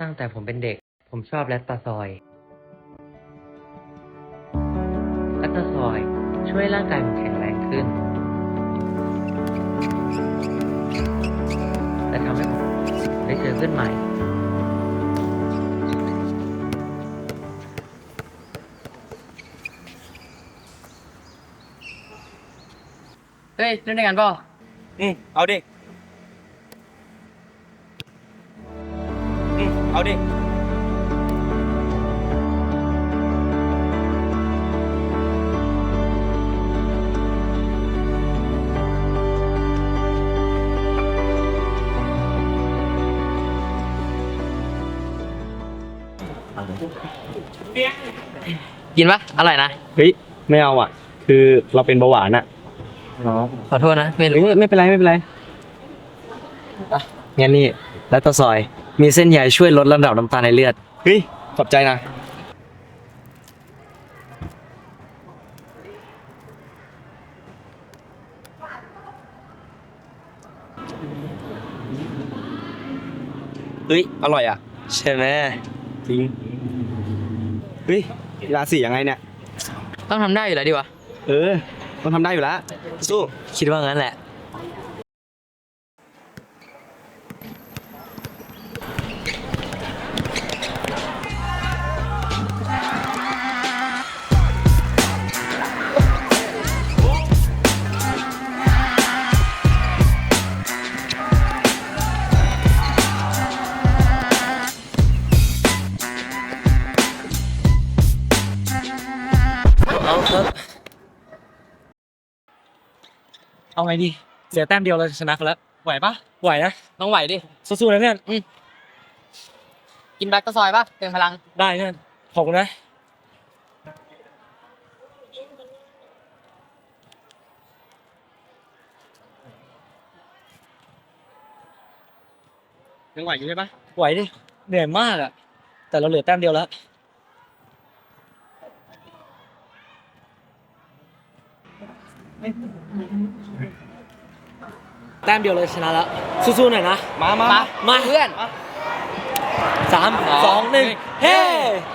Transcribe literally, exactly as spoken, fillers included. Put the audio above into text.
ตั้งแต่ผมเป็นเด็กผมชอบแลคตาซอยแลคตาซอยช่วยร่างกายผมแข็งแรงขึ้นและทำให้ผมได้เจอเพื่อนใหม่เฮ้ยเล่นด้วยกันป่ะอืมเอาดิอืมเอาดิกินปะอร่อยนะเฮ้ยไม่เอาอ่ะคือเราเป็นเบาหวานอ่ะอ๋อขอโทษนะไม่รู้เฮ้ยไม่เป็นไรไม่เป็นไรอ่ะงั้นนี่แล้วตาซอยมีเส้นใยช่วยลดระดับน้ำตาลในเลือดเฮ้ยขอบใจนะเฮ้ยอร่อยอ่ะใช่ไหมจริงเฮ้ยกีฬาสียังไงเนี่ยต้องทำได้อยู่แล้วดิวะเออต้องทำได้อยู่แล้วสู้คิดว่างั้นแหละเอาครับเอาไงดีเสียแต้มเดียวเราจะชนะเขาแล้วไหวปะไหวนะต้องไหวดิสู้ๆนะเพื่อนอืมกินแบล็กตะซอยปะเติมพลังได้เพื่อนขอบคุณนะยังไหวอยู่ใช่ปะไหวดิเหนื่อยมากอะแต่เราเหลือแต้มเดียวแล้วแต้มเดียวเลยชนะแล้วสู้ๆหน่อยนะมามามาเพื่อนสามสองหนึ่งเฮ้